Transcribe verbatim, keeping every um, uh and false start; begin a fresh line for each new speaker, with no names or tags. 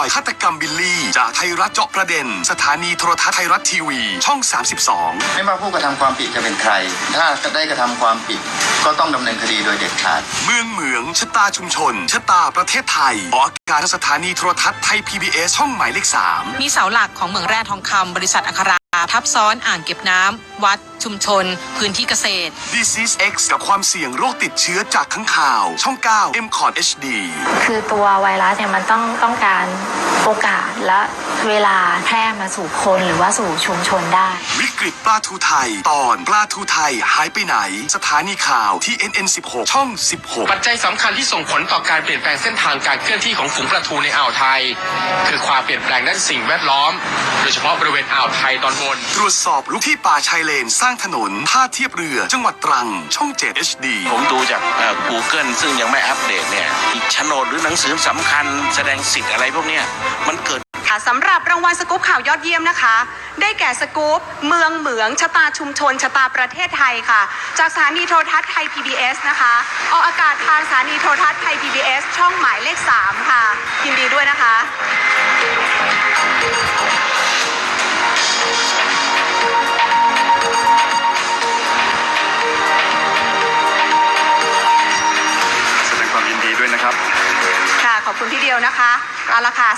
อยฆาตกรรมบิลลี่จากไทยรัฐเจาะประเด็นสถานีโทรทัศน์ไทยรัฐทีวีช่องสามสิบสอง
ไม่ว่าผู้กระทำความผิดจะเป็นใครถ้าได้กระทำความผิดก็ต้องดำเนินคดีโดยเด็ดขาด
เมืองเหมืองชะตาชุมชนชะตาประเทศไทยออกอากาศสถานีโทรทัศน์ไทย พี บี เอส ช่องหมายเลขสาม
มีเสาหลักของเมืองแร่ทองคำบริษัทอัคราทับซ้อนอ่างเก็บน้ำวัดชุมชนพื้นที่เกษตร
Disease X กับความเสี่ยงโรคติดเชื้อจากข้างข่าวช่องเก้า เอ็ม คอร์ด เอช ดี
คือตัวไวรัสเนี่ยมันต้องต้องการโอกาสและเวลาแพร่มาสู่คนหรือว่าสู่ชุมชนได้
วิกฤตปลาทูไทยตอนปลาทูไทยหายไปไหนสถานีข่าวที่ เอ็น เอ็น สิบหก ช่องสิบหก
ปัจจัยสำคัญที่ส่งผลต่อการเปลี่ยนแปลงเส้นทางการเคลื่อนที่ของฝูงปลาทูในอ่าวไทยคือความเปลี่ยนแปลงด้านสิ่งแวดล้อมโดยเฉพาะบริเวณอ่าวไทยตอนบน
ตรวจสอบลุกที่ป่าชายเลนสร้างถนนท่าเทียบเรือจังหวัดตรังช่องเจ็ด เอช ดี
ผมดูจากเอ่อ Google ซึ่งยังไม่อัปเดตเนี่ยอีกโฉนดหรือหนังสือสำคัญแสดงสิทธิ์อะไรพวกเนี้ยมันเกิด
ค่ะสำหรับรางวัลสกู๊ปข่าวยอดเยี่ยมนะคะได้แก่สกู๊ปเมืองเหมืองชะตาชุมชนชะตาประเทศไทยค่ะจากสถานีโทรทัศน์ไทย พี บี เอส นะคะออกอากาศทางสถานีโทรทัศน์ไทย พี บี เอส ช่องหมายเลขสามค่ะยินดีด้วยนะคะ
แสดงความยินดีด้วยนะครับ
ค่ะขอบคุณพี่เดียวนะคะเอาละค่ะ